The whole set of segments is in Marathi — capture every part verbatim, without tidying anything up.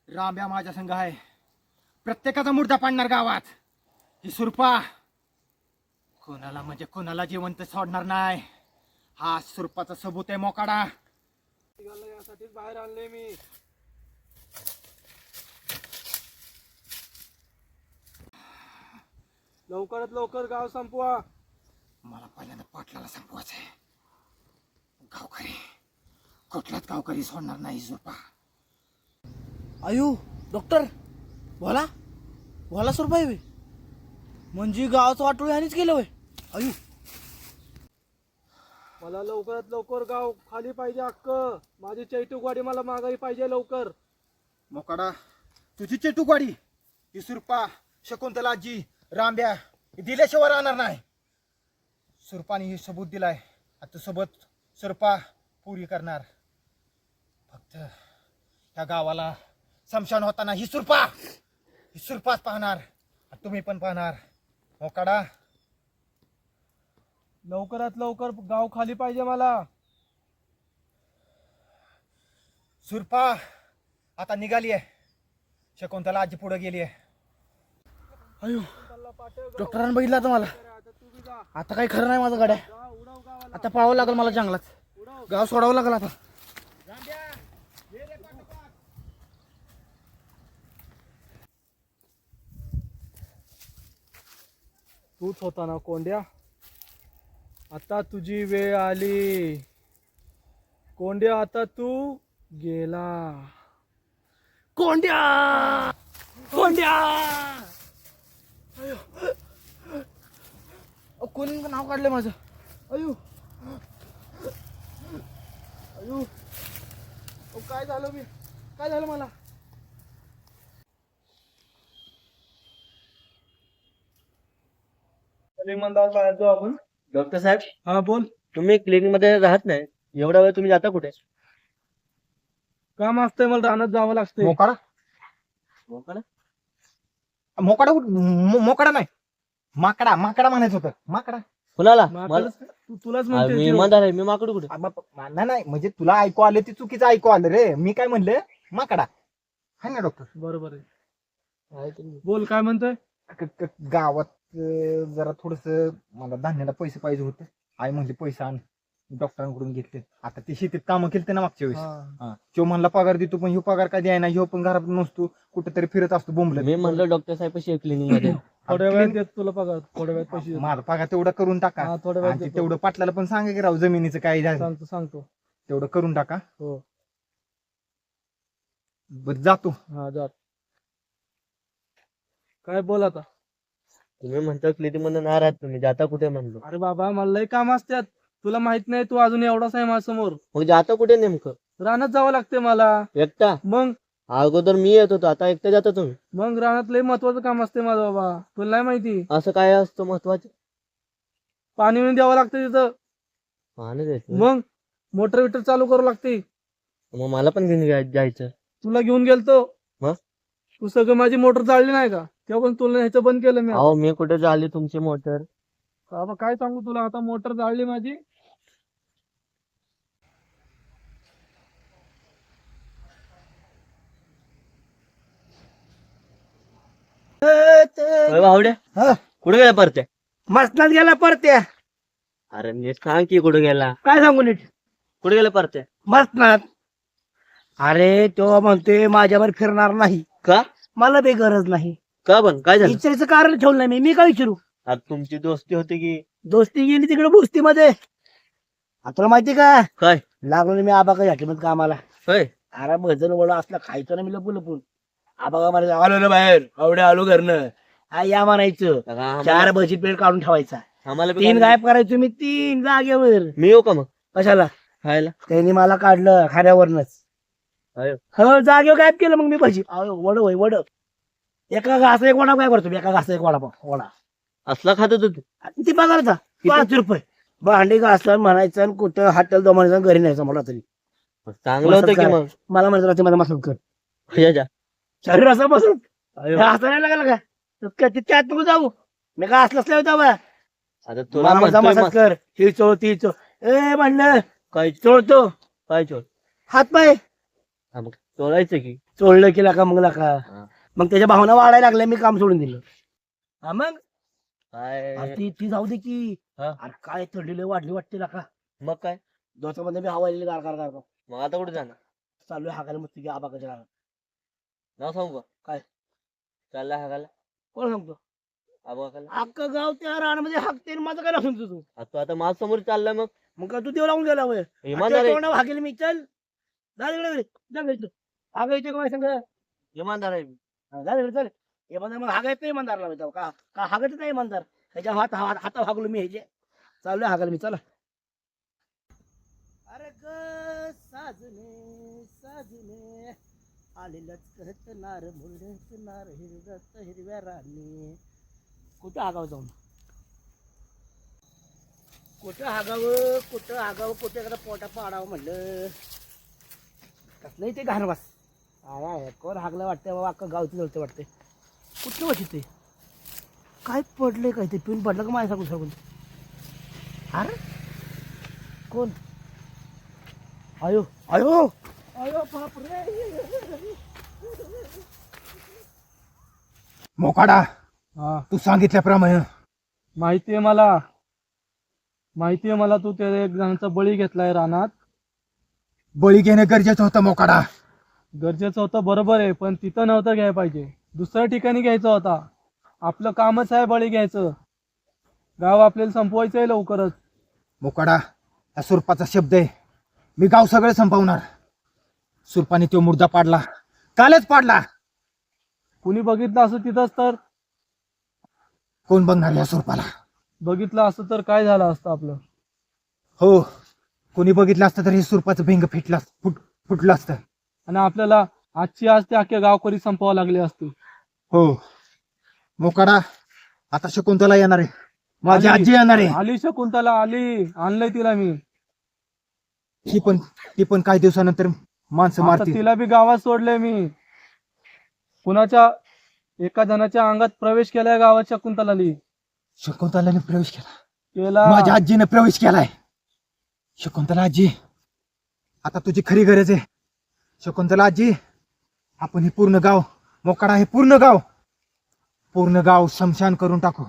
राम्या माझ्या संघ आहे. प्रत्येकाचा मुर्दा पाडणार गावात. ही सुरपा कोणाला म्हणजे कोणाला जिवंत सोडणार नाही. हा सुरपाचा सबूत आहे मोकाडा. यासाठीच बाहेर आणले मी. लवकरात लवकर गाव संपवा. मला पहिल्यांदा पाटलाला संपवायचं आहे. गावकरी कुठलाच गावकरी सोडणार नाही सुरपा. आयु डॉक्टर बोला बोला सुरपाई वे म्हणजे गावाचं वाटोळी आणीच केलं वय. आयु मला लवकरात लवकर गाव खाली पाहिजे. हक्क माझी चैतूकवाडी मला मागाई पाहिजे लवकर. मोकाडा तुझी चेटूकवाडी ही सुरपा शकुंतला आजी रांब्या दिल्याशिवाय राहणार नाही. सुरपाने हे सबूत दिलाय. आता सोबत सुरपा पुरी करणार. फक्त ह्या गावाला समशान होताना ही सुरपा ही सुरपाच पाहणार. तुम्ही पण पाहणार. मोकाडा लवकरात लवकर गाव खाली पाहिजे मला. सुरपा आता निघाली आहे. शकुंतला आजी पुढे गेली आहे. आयु डॉक्टरांनी बघितलं आता मला. आता काही खरं नाही माझं गाड्या. आता पळावं लागेल मला जंगलात. गाव सोडावं लागेल आता. तूच होता ना कोंड्या. आता तुझी वेळ आली कोंड्या. आता तू गेला. कोंड्या कोंड्या कोणी नाव काढलं माझं. अयो अयो अहो, काय झालं मी काय झालं मला. आपण डॉक्टर साहेब हा बोल. तुम्ही क्लिनिक मध्ये राहत नाही एवढा वेळ तुम्ही जाता कुठे. काम असतंय मला रानात जावं लागतंय. मोकाडा मोकाडा मोकाडा उठ- मो- मोकाडा नाही माकडा माकडा म्हणायचं होतं. माकडा कुणाला माकडं तू- तुलाच आ, म्हणते मी ती. इमानदार आहे मी माकडू कुठे. आ, बाप- नाही नाही म्हणजे तुला ऐकू आलं ते चुकीचं ऐकू आलं रे. मी काय म्हणलं माकडा आहे ना डॉक्टर. बरोबर आहे. आहे तुम्ही. बोल काय म्हणतोय. क- क- गावात अं, जरा थोडस मला धान्याला पैसे पाहिजे होते. आई म्हणली पैसे आण. डॉक्टरांकडून घेतले. आता ते शेतीत कामं केलते ना मागच्या वेळेस. हा. हा. तो म्हणला पगार देतो पण ह्यो पगार काय द्यायना. ह्यो पण घरात नसतो कुठेतरी फिरत असतो बोंबल. मी म्हणलं डॉक्टर साहेब कशी क्लिनिक मध्ये. थोड्या वेळात देत तुला पगार. थोड्या वेळात पैसे देतो. माझा पगार तेवढा करून टाका. हा, थोड्या वेळात आणि ते देतो. तेवढं पाटलाला पण सांगा की राव जमिनीचं काय झालं सांगतो सांगतो. तेवढं करून टाका. हो बरं जातो. हा जा. काय बोल आता. तुम्ही म्हणता क्लिनिक मध्ये नाही राहत तुम्ही जाता कुठे म्हणलो. अरे बाबा मला लय काम असतात. तुला माहित नाही तू अजून एवढाच आहे माझ्यासमोर. मग जाता कुठे नेमकं. रानात जावं लागते मला. एकटा मग अगोदर मी येत होतो आता एकटा जाता तुम्ही. मग रानात लय महत्वाचं काम असते माझं बाबा. तुला नाही माहिती. असं काय असतं महत्वाचं. पाणी बिणी द्यावं लागतं तिथं. पाहणं द्यायचं. मग मोटर विटर चालू करू लागते. मग मला पण घेऊन जाय- जायचं. तुला घेऊन गेलतो. मग? तू सगळं माझी मोटर चालली नाही का. तेव्हा पण तुला ह्याचं बंद केलं मी. अहो मी कुठे झाली तुमची मोटर. बाबा काय सांगू तुला. आता मोटर जाळली माझी. भावड्या हा. कुठे गेला परत्या. मसनात गेला परत्या. अरे नीट सांग की कुठे गेला. काय सांगू नीट. कुठे गेला परत्या. मसनात. अरे तो म्हणतोय माझ्यावर फिरणार नाही. का मला बे गरज नाही. का पण काय झालं. विचारायचं कारण ठेवलं नाही मी. मी काय विचारू. आता तुमची दोस्ती होती की दोस्ती गेली तिकडे बोस्तीमध्ये. आता तुला माहिती का काय. लागलो ना मी आबा काय मध्ये कामाला. होय अरे भजन वडा असला खायचं ना मी लपून लपून. आबा का म्हणायचं आलो ना बाहेर आवड्या आलो घरनं. हा या म्हणायचं. आम्हाला चार भजी प्लेट काढून ठेवायचा. आम्हाला बी तीन काय- गायब करायचो मी तीन जागेवर. मी येऊ का मग कशाला. खायला. त्यांनी मला काढलं खाण्यावरनच. अयो. हो जागेवर गायब केलं मग मी भजी. अहो, वड होय वड. एका घासा एक वडा काय करतो मी. एका घासा एक वडा वडा असला खात होतो तू. किती पगारचा पाच रुपये. भांडी घासलं म्हणायचं आणि कुठं हॉटेल दो म्हणायचं घरी न्यायचं मला तरी. चांगलं होतं की मग. मला म्हणत राहते मला मसाज कर या जा. शरीर असं बसून अयो. असं नाही लागलं का. तर काय ते त्यात नको जाऊ. मी काय असलं असलं होतं बा. आता तुला मला म्हणतोय मसाज मग. कर. ही चोळ ती चोळ. ए म्हणलं काय चोळतो काय चोर. हात पाय हा, मग चोळायचं की चोळलं केला का मग का हा. मग त्याच्या भावना वाढायला लागल्या मी काम सोडून दिलं हा मग काय अरे ती ती जाऊ दे की हा. अरे काय थंडी लय वाढली वाटते ना का मग काय दोसामध्ये मी हवा गार गार गार मग आता कुठे जाणार चालू आहे हाकायला मस्त की आबाकाच्या गावात. नाव सांगू का काय? चालला हागायला कोण सांगतो आबा हाकायला अख्खं गाव त्या रानामध्ये हाकते आणि माझं काय नाव सांगतो तू आता तू आता माझ समोर चाललाय मग मग का तू देव लावून गेला वय इमानदार आहे हाकेल मी चल जा तिकडे घरी. जा घरी तू. हागायचे का माझ्या संग इमानदार आहे मी. हा, जा तिकडे चल इमानदार मग हागायचं नाही इमानदारला मी का का हागायचं नाही इमानदार त्याच्या हात हात हाता हागलो मी ह्याचे चालू हागायला मी चला अरे ग साजने साजने आलेलंच कहत नार मुलडत नार हिरवत हिरव्या राणी कुठं हागावं जाऊन कुठं हागावं कुठं हागावं कुठं एखादा पोटा पाडावं म्हणलं कसलंही ते घाणवास आय आय कोण हागलं वाटतंय बाबा अख्खं गावचं जळतं वाटतंय कुठलं वाटत ते काय पडलंय काय ते पिऊन पडलं का माझ्या सांगून सांगून अरे कोण आयो आयो आयो बापरे मोकाडा हा तू सांगितल्याप्रमाणे माहितीये मला माहितीये मला तू त्या एक जणांचा बळी घेतलाय रानात बळी घेणं गरजेचं होतं मोकाडा. गरजेचं होतं बरोबर आहे पण तिथं नव्हतं घ्यायला पाहिजे दुसऱ्या ठिकाणी घ्यायचं होता आपलं कामच आहे बळी घ्यायचं गाव आपल्याला संपवायचं आहे लवकरच मोकाडा हा सुरपाचा शब्द आहे. मी गाव सगळं संपवणार. सुरपाने तो मुर्दा पाडला कालच पाडला. कुणी बघितलं असं तिथंच तर कोण बघणार या सुरपाला. बघितलं असतं तर काय झालं असतं आपलं हो कोणी बघितलं असतं तर हे सुरपाचं भिंग फिटलं फुट फुटलं असतं. आणि आपल्याला आजची आज ते अख्ख्या गावकरी संपवावं लागले असते हो मोकाडा आता शकुंतला येणार आहे. माझी आली. आजी येणार आहे. आली शकुंतला आली आणलंय तिला मी ती पण ती पण काही दिवसानंतर माणसं आता मारतील. तिला बी गावात सोडलंय मी कुणाच्या एका जणाच्या अंगात प्रवेश केलाय गावात शकुंतलानी शकुंतलाने प्रवेश केला. केला माझ्या आजीने प्रवेश केलाय. शकुंतला आजी आता तुझी खरी गरज आहे. शकुंतला आजी आपण हे पूर्ण गाव मोकाडा हे पूर्ण गाव पूर्ण गाव शमशान करून टाकू.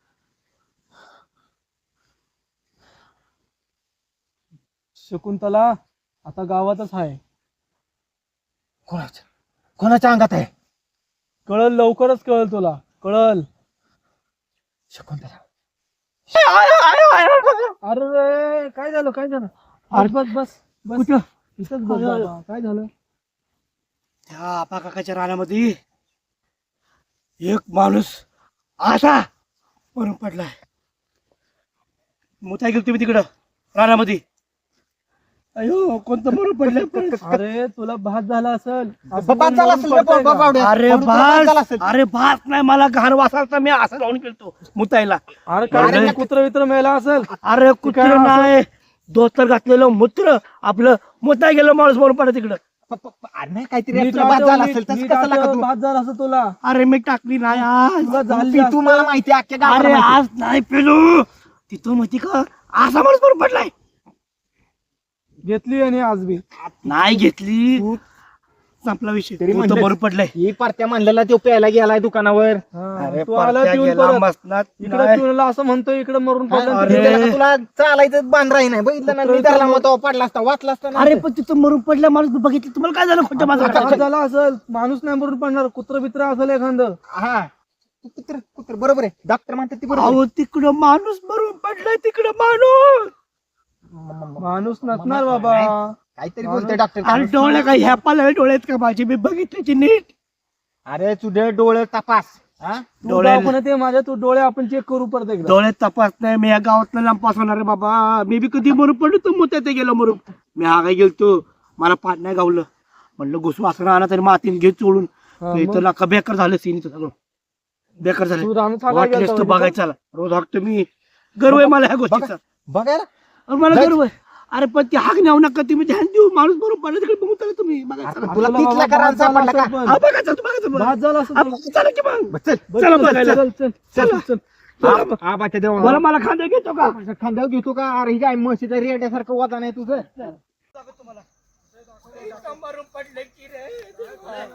शकुंतला आता गावातच आहे कोणाच्या कोणाच्या अंगात आहे. कळल लवकरच कळल तुला कळल शकुंतला अरे काय झालं काय झालं अरे, बस बस बस कुठं इथंच बस बाबा. काय झालं त्या आपा काकाच्या रानामध्ये एक माणूस असा मरून पडलाय मुताय गेलो तुम्ही तिकडं रानामध्ये अयो कोणतं मरून पडलंय अरे तुला भात झाला असेल असं बाबा कोण झाला मरून असेल रे, पडतंय का? बाबा बावड्या. अरे म्हणून तुला झाला भास असेल. अरे भास नाही मला घाण वासालता मी असं जाऊन गेलतो मुतायला अरे काय अरे, कुत्र वित्र मेला असेल अरे कुत्र काय असं? नाही दोस्तर घातलेलं मूत्र आपलं मुताय गेलं माणूस मरून पडलं तिकडं प- प- प- अरे नाही काहीतरी नीट आपलं बाद झाला आठव, असेल नीट- तसं नीट कसं लागा आठव, तू. भात झाला असं तुला अरे मी टाकली नाही आज तुला झाली ती असतं. तुम्हाला माहिती आहे, अख्ख्या अरे गावाला माहिती. आज नाही पेलो तिथं माहिती का असा माणूस मरून पडलाय घेतली आणि आज बी नाही घेतली तू संपला विषय तरी तू तर म्हणलंस. बरोबर पडलाय ही पार्ट्या म्हणलेला तो प्यायला गेलाय दुकानावर. हा, अरे तू आला परत्या पिऊन गेला परत मसनात. इकडे नाही. पिऊन असं म्हणतोय इकडे मरून पडलं आणि अरे. तिकडे त्याला तुला चालायचं बांध राही नाही बघितलं ना कुत्रं मी धरला विचारलं. मग तो पडला असता वाचला असता ना. अरे पण तिथं मरून पडल्या माणूस बघितलं तुम्हाला काय झालं खोटं माझं आपला भात झाला असेल माणूस नाही मरून पडणार कुत्र बित्र असेल एखादं हा तू कुत्र कुत्र बरोबर आहे डॉक्टर म्हणतात ती बरोबर आहे. अहो तिकडं माणूस मरून पडलाय तिकडं माणूस माणूस नसणार बाबा काहीतरी बोलतोय डॉक्टर. अरे डोळे काय ह्या पाला डोळ्यात का माझी मी बघितल्याची नीट अरे तुझे डोळे तपास. हा तू डोळे- दवाखान्यात ये माझ्या तू डोळे आपण चेक करू परत एकदा डोळ्यात तपास नाही मी या गावातनं लांब पासवणार रे बाबा मी बी कधी मरून पडलो तर मोठ्या ते गेलो मरून मी हा काय गेलतो मला पाठ नाही गावलं म्हणलं घुसू असं राहणार तरी मातीन घे चोळून हा, तर इथं मग? लाका बेकार झालं सीन इथं सगळं बेकार झालं तू रानात हाकायला वाटलेस गेलता तर म्हणजे बघायचं चला रोज हाकतो मी गर्व आहे मला ह्या गोष्टीचा बघायला अरे मला जाय. गर्व आहे अरे पण ते हाक नेऊ नका तुम्ही ध्यान देऊ माणूस बरोबर पडला तिकडे बघू चला तुम्ही बघायचं चला. तुला आपल्याला तिथला बाबा करायला भात झाला सापडला का? असेल पण. हा, बघायचं तू बघायचं बघ. भात झाला असेल हा, पण. चला की मग बस चल बस, चला चल, बघायला. चल, चल, चल, चला. चल. चला. हा बाच्या देवा मला मला खांदा घेतो का खांद्यावर घेतो का अरे ही काय म्हशीच्या रेड्यासारखं वादा नाही तुझं. इथं मरून पडलं की रे काय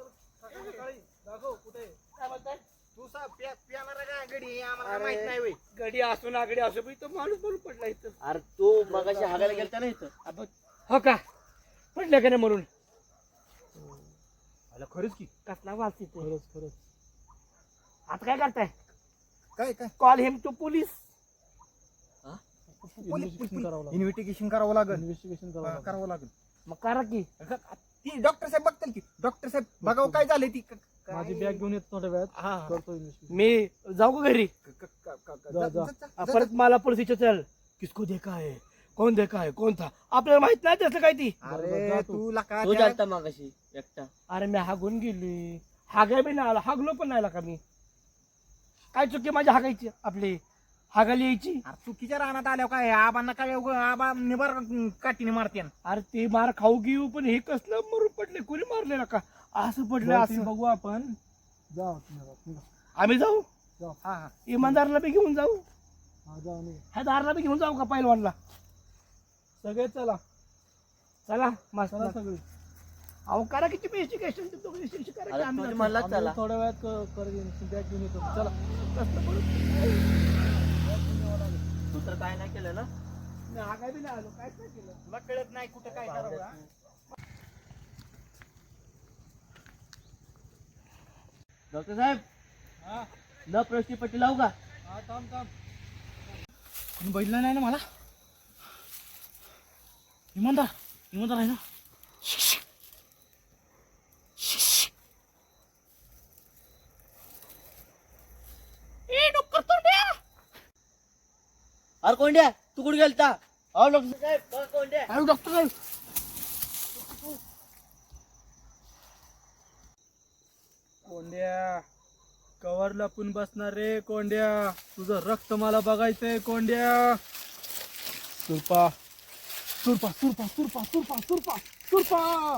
म्हणताय? तू सा प्या- प्यानारा का गडी आम्हाला माहित नाही होय. गडी असू ना गडी असू इथं माणूस मरून पडला इथं अरे तू मगाशी हागायला गेलता ना इथं आपण हो का पडलं का नाही म्हणून आला खरंच की कसला वास तिथे खरंच खरंच आता काय करताय काय काय call him to police investigation करावं लागेल इन्व्हेस्टिगेशन करावं लागेल इन्व्हेस्टिगेशन करावं हा, लागेल करावं लागेल मग करा की ती डॉक्टर साहेब बघतील की डॉक्टर साहेब बघावं काय झालंय ती क- काय- माझी बॅग घेऊन येतो थोड्या वेळात हा, हा. करतो इन्व्हेस्टिगेशन मी जाऊ का घरी क- क- क- क- जा, जा- जा. जा- जा- आ, जा- परत मला पोलीस विचारल किसको देखा है कोण देखा है कोण था आपल्याला माहित नाही त्याचं काय ती अरे जा तू लका तो त्या- जालता मगाशी एकटा अरे मी हागून गेली हागाय बी नाही आला हागलो पण नाही आला का मी काय चुकी माझी हागायची आपली हागायला यायची अरे चुकीच्या रानात आल्यावर काय आबांना काय उगं आबा निबर काठीने मारते अरे ते मार खाऊ घेऊ पण हे कसलं मरून पडले कोणी मारले का असं पडलं बरं, ते असं बघू आपण जा तुम्ही आता, निघा. आम्ही जाऊ हा हा इमानदारला बी घेऊन जाऊ हा जा निघा. ह्या दारला बी घेऊन जाऊ का पहिलवानला सगळे चला चला चला मस्त सगळे अहो करा किती पैसे कॅश तुम्ही पैसे करा की अरे आम्ही तुझी जातो. म्हणला आम्ही चला थोड्या वेळात क- कर बॅग घेऊन येतो चला कसलं बरं? तू तर काय नाही केलं ना मी हागाय बी नाही आलो काहीच नाही केलं तुला कळत नाही कुठं काय करावं हा? डॉक्टर साहेब न प्रश्नी पट्टी लावू का हा थांब थांब कोणी बघितलं नाही ना मला इमानदार इमानदार आहे ना ए डॉक्टर तोंड्या अरे कोंड्या तू कुठे गेलता अहो डॉक्टर साहेब बघा कोंड्या अरे डॉक्टर साहेब कोंड्या कवर लपून बसणार रे कोंड्या तुझं रक्त मला बघायचंय कोंड्या सुरपा सुरपा सुरपा सुरपा सुरपा सुरपा सुरपा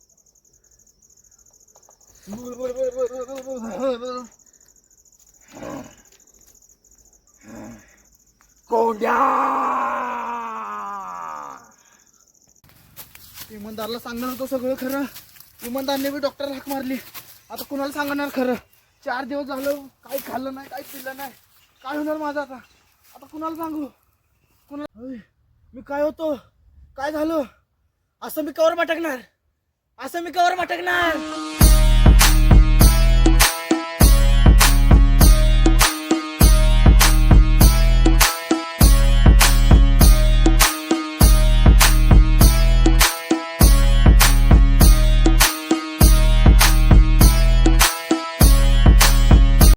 कोंड्या इमानदारला सांगणार होतं सगळं खरं इमानदारने बी डॉक्टर हाक मारली आता कुणाला सांगणार खरं चार दिवस झालं काही खाल्लं नाही काही पिल्लं नाही काय होणार माझं आता आता कुणाला सांगू कुणाला होय, मी काय होतो काय झालं असं मी कवर मटकणार असं मी कवर मटकणार